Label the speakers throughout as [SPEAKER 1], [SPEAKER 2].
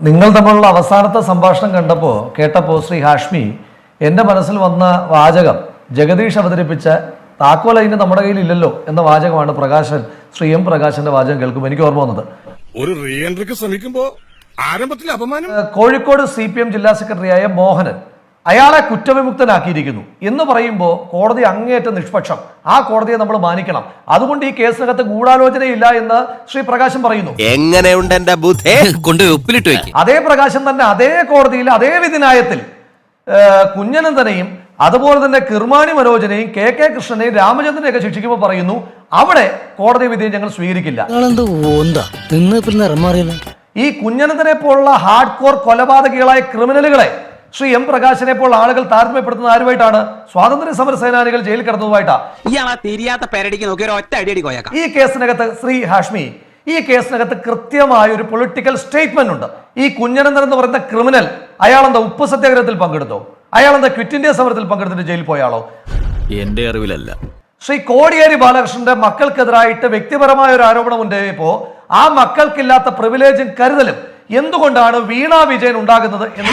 [SPEAKER 1] നിങ്ങൾ തമ്മിലുള്ള അവസാനത്തെ സംഭാഷണം കേട്ടപ്പോൾ ശ്രീ ഹാഷ്മി എൻ്റെ മനസ്സിൽ വന്ന വാചകം ജഗദീഷ് അവതരിപ്പിച്ച താക്കോലൈന് നമ്മുടെ കയ്യിൽ ഇല്ലല്ലോ എന്ന വാചകമാണ് ശ്രീ എം പ്രകാശന്റെ വാചകം കേൾക്കുമ്പോൾ എനിക്ക് ഓർമ്മ വന്നത്.
[SPEAKER 2] ഒരു റീ എൻട്രിക്ക് ശ്രമിക്കുമ്പോൾ ആരംഭത്തിൽ അപമാനം.
[SPEAKER 1] കോഴിക്കോട് CPM ജില്ലാ സെക്രട്ടറിയായ മോഹനൻ അയാളെ കുറ്റവിമുക്തനാക്കിയിരിക്കുന്നു എന്ന് പറയുമ്പോൾ കോടതി അങ്ങേയറ്റം നിഷ്പക്ഷം, ആ കോടതിയെ നമ്മൾ മാനിക്കണം. അതുകൊണ്ട് ഈ കേസിനകത്ത് ഗൂഢാലോചനയില്ല എന്ന് ശ്രീ പ്രകാശൻ പറയുന്നു.
[SPEAKER 3] എങ്ങനെയുണ്ട് എന്റെ ബുദ്ധി കൊണ്ട് ഉപ്പിലിട്ട് വെക്കും.
[SPEAKER 1] അതേ പ്രകാശൻ തന്നെ അതേ കോടതിയിൽ അതേ വിധിന്യായത്തിൽ കുഞ്ഞനന്തനെയും അതുപോലെ തന്നെ കിർമാണി മനോജനെയും KK കൃഷ്ണനെയും രാമചന്ദ്രനെയൊക്കെ ശിക്ഷിക്കുമ്പോൾ പറയുന്നു അവിടെ കോടതി വിധിയെ ഞങ്ങൾ സ്വീകരിക്കില്ല. ഈ കുഞ്ഞനന്തനെ പോലുള്ള ഹാർഡ് കോർ കൊലപാതകികളായ ക്രിമിനലുകളെ ശ്രീ എം പ്രകാശനെ പോലുള്ള ആളുകൾ താരതമ്യപ്പെടുത്തുന്ന ആരുമായിട്ടാണ്? സ്വാതന്ത്ര്യ സമര സേനാനികൾ ജയിലിൽ കിടന്നതുമായിട്ടാണ്. ഈ കേസിനകത്ത് ശ്രീ ഹാഷ്മി, ഈ കേസിനകത്ത് കൃത്യമായ ഒരു പൊളിറ്റിക്കൽ സ്റ്റേറ്റ്മെന്റ് ഉണ്ട്. ഈ കുഞ്ഞനന്തൻ എന്ന് പറയുന്ന ക്രിമിനൽ അയാളെന്താ ഉപ്പ് സത്യാഗ്രഹത്തിൽ പങ്കെടുത്തോ? അയാളെന്താ ക്വിറ്റ് ഇന്ത്യ സമരത്തിൽ പങ്കെടുത്തിട്ട് ജയിലിൽ പോയാളോ?
[SPEAKER 3] എന്റെ അറിവിലല്ല.
[SPEAKER 1] ശ്രീ കോടിയേരി ബാലകൃഷ്ണന്റെ മക്കൾക്കെതിരായിട്ട് വ്യക്തിപരമായ ഒരു ആരോപണം ഉണ്ടായപ്പോ ആ മക്കൾക്കില്ലാത്ത പ്രിവിലേജും കരുതലും എന്തുകൊണ്ടാണ് വീണ വിജയൻ ഉണ്ടാകുന്നത് എന്ന്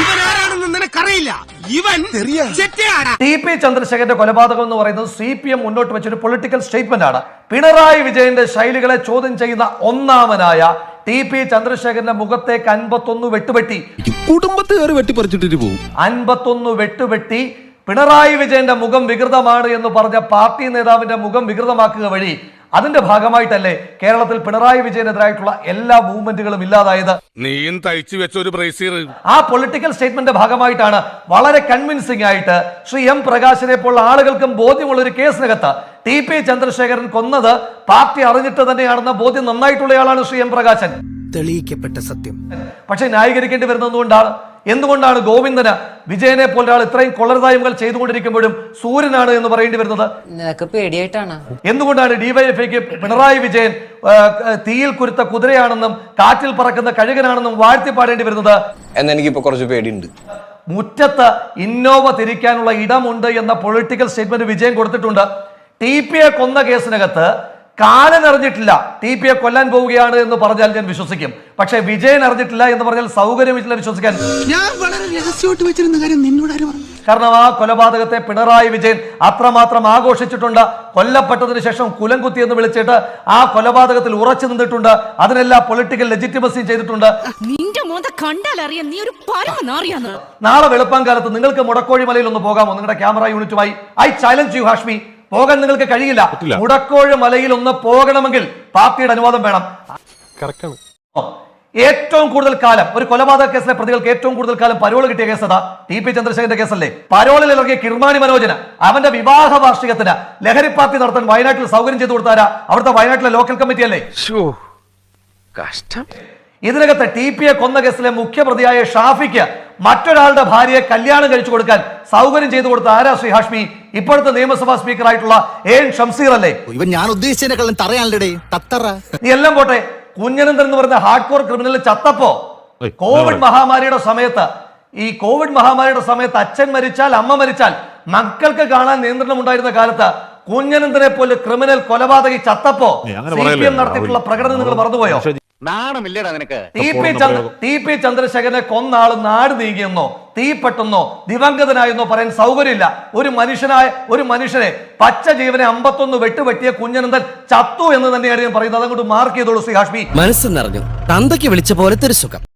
[SPEAKER 1] TP ചന്ദ്രശേഖരന്റെ കൊലപാതകം എന്ന് പറയുന്നത് CPM മുന്നോട്ട് വെച്ചൊരു പൊളിറ്റിക്കൽ സ്റ്റേറ്റ്മെന്റ് ആണ്. പിണറായി വിജയന്റെ ശൈലികളെ ചോദ്യം ചെയ്യുന്ന ഒന്നാമനായ TP ചന്ദ്രശേഖരന്റെ മുഖത്തേക്ക് 51 വെട്ടുവെട്ടി,
[SPEAKER 3] കുടുംബത്തുകാർ വെട്ടിപ്പറിച്ചിട്ട് പോകും.
[SPEAKER 1] 51 വെട്ടുവെട്ടി പിണറായി വിജയന്റെ മുഖം വികൃതമാണ് എന്ന് പറഞ്ഞ പാർട്ടി നേതാവിന്റെ മുഖം വികൃതമാക്കുക വഴി അതിന്റെ ഭാഗമായിട്ടല്ലേ കേരളത്തിൽ പിണറായി വിജയനെതിരായിട്ടുള്ള എല്ലാ മൂവ്മെന്റുകളും ഇല്ലാതായത്?
[SPEAKER 2] നീയും തയ്ച്ചു വെച്ച ഒരു ബ്രേസിയർ.
[SPEAKER 1] ആ പൊളിറ്റിക്കൽ സ്റ്റേറ്റ്മെന്റ് ഭാഗമായിട്ടാണ് വളരെ കൺവിൻസിംഗ് ആയിട്ട് ശ്രീ എം പ്രകാശിനെ പോലുള്ള ആളുകൾക്കും ബോധ്യമുള്ള ഒരു കേസിനകത്ത് TP ചന്ദ്രശേഖരൻ കൊന്നത് പാർട്ടി അറിഞ്ഞിട്ട് തന്നെയാണെന്ന ബോധ്യം നന്നായിട്ടുള്ളയാളാണ് ശ്രീ എം പ്രകാശൻ.
[SPEAKER 4] തെളിയിക്കപ്പെട്ട സത്യം.
[SPEAKER 1] പക്ഷെ ന്യായീകരിക്കേണ്ടി വരുന്നത് എന്തുകൊണ്ടാണ് ഗോവിന്ദന് വിജയനെ പോലെ ഒരാൾ ഇത്രയും കൊള്ളരുതായ്മകൾ ചെയ്തുകൊണ്ടിരിക്കുമ്പോഴും സൂര്യനാണ് എന്ന് പറയേണ്ടി വരുന്നത്?
[SPEAKER 5] നിനക്ക് പേടിയായിട്ടാണ്.
[SPEAKER 1] എന്തുകൊണ്ടാണ് DYFIക്ക് പിണറായി വിജയൻ തീയിൽ കുരുത്ത കുതിരയാണെന്നും കാറ്റിൽ പറക്കുന്ന കഴുകനാണെന്നും വാഴ്ത്തിപ്പാടേണ്ടി വരുന്നത്?
[SPEAKER 6] എന്നെനിക്കിപ്പോ കുറച്ച് പേടിയുണ്ട്.
[SPEAKER 1] മുറ്റത്ത് ഇന്നോവ തിരിക്കാനുള്ള ഇടമുണ്ട് എന്ന പൊളിറ്റിക്കൽ സ്റ്റേറ്റ്മെന്റ് വിജയൻ കൊടുത്തിട്ടുണ്ട്. TPയെ കൊന്ന കേസിനകത്ത് കാലൻ അറിഞ്ഞിട്ടില്ല TPയെ കൊല്ലാൻ പോവുകയാണ് എന്ന് പറഞ്ഞാൽ ഞാൻ വിശ്വസിക്കും. പക്ഷെ വിജയൻ അറിഞ്ഞിട്ടില്ല എന്ന് പറഞ്ഞാൽ സൗകര്യമില്ല വിശ്വസിക്കാൻ.
[SPEAKER 4] ഞാൻ വളരെ രഹസ്യമായിട്ട് വെച്ചിരുന്ന കാര്യം നിന്നോട് ആരും പറഞ്ഞു?
[SPEAKER 1] കാരണം ആ കൊലപാതകത്തെ പിണറായി വിജയൻ അത്രമാത്രം ആഘോഷിച്ചിട്ടുണ്ട്. കൊല്ലപ്പെട്ടതിന് ശേഷം കുലംകുത്തി എന്ന് വിളിച്ചിട്ട് ആ കൊലപാതകത്തിൽ ഉറച്ചു നിന്നിട്ടുണ്ട്. അതിനെല്ലാം പൊളിറ്റിക്കൽ ലെജിറ്റിമസി ചെയ്തിട്ടുണ്ട്. നാളെ വെളുപ്പാങ്കാലത്ത് നിങ്ങൾക്ക് മുടക്കോഴി മലയിൽ ഒന്ന് പോകാമോ? നിങ്ങളുടെ ക്യാമറ യൂണിറ്റുമായി ഐ ചാലഞ്ച് യു ഹാഷ്മി. പോകാൻ നിങ്ങൾക്ക് കഴിയില്ല. മുടക്കോഴി മലയിൽ ഒന്ന് പോകണമെങ്കിൽ പാർട്ടിയുടെ അനുവാദം വേണം. ഏറ്റവും കൂടുതൽ കാലം ഒരു കൊലപാതക കേസിലെ പ്രതികൾക്ക് ഏറ്റവും കൂടുതൽ കാലം പരോൾ കിട്ടിയ കേസ് അതാ TP ചന്ദ്രശേഖരന്റെ കേസല്ലേ. പരോളിൽ ഇറങ്ങിയ കിർമാണി മനോജന് അവന്റെ വിവാഹ വാർഷികത്തിന് ലഹരി പാർട്ടി നടത്താൻ വയനാട്ടിൽ സൗകര്യം ചെയ്തു കൊടുത്താരാ? അവിടുത്തെ വയനാട്ടിലെ ലോക്കൽ കമ്മിറ്റി അല്ലേ. ഇതിനകത്ത് TPയെ കൊന്ന കേസിലെ മുഖ്യപ്രതിയായ ഷാഫിക്ക് മറ്റൊരാളുടെ ഭാര്യയെ കല്യാണം കഴിച്ചു കൊടുക്കാൻ സൗകര്യം ചെയ്തു കൊടുത്ത ആരാ ശ്രീ ഹാഷ്മി? ഇപ്പോഴത്തെ നിയമസഭാ സ്പീക്കർ ആയിട്ടുള്ള AN ഷംസീർ അല്ലേ.
[SPEAKER 4] ഇവൻ ഞാൻ ഉദ്ദേശിച്ചതിനെക്കാളും തറയാണല്ലേ തത്തറ.
[SPEAKER 1] നീ എല്ലാം പോട്ടെ, കുഞ്ഞനന്തൻ എന്ന് പറയുന്ന ഹാർഡ് കോർ ക്രിമിനൽ ചത്തപ്പോ കോവിഡ് മഹാമാരിയുടെ സമയത്ത് അച്ഛൻ മരിച്ചാൽ അമ്മ മരിച്ചാൽ മക്കൾക്ക് കാണാൻ നിയന്ത്രണം ഉണ്ടായിരുന്ന കാലത്ത് കുഞ്ഞനന്തനെ പോലെ ക്രിമിനൽ കൊലപാതകി ചത്തപ്പോ CPM നടത്തിയിട്ടുള്ള പ്രകടനം നിങ്ങൾ മറന്നുപോയോ? TP ചന്ദ്രശേഖരനെ കൊന്ന ആള് നാട് നീങ്ങിയെന്നോ തീപ്പെട്ടെന്നോ ദിവംഗതനായെന്നോ പറയാൻ സൗകര്യമില്ല. ഒരു മനുഷ്യനെ പച്ച ജീവനെ 51 വെട്ടുപെട്ടിയ കുഞ്ഞനന്തൻ ചത്തു എന്ന് തന്നെയാണ് ഞാൻ പറയുന്നത്. അതുകൊണ്ട് മാർക്ക് ചെയ്തോളൂ ശ്രീ ഹാഷ്മി.
[SPEAKER 3] മനസ്സ് നിറഞ്ഞു തന്തയ്ക്ക് വിളിച്ച പോലത്തെ ഒരു സുഖം.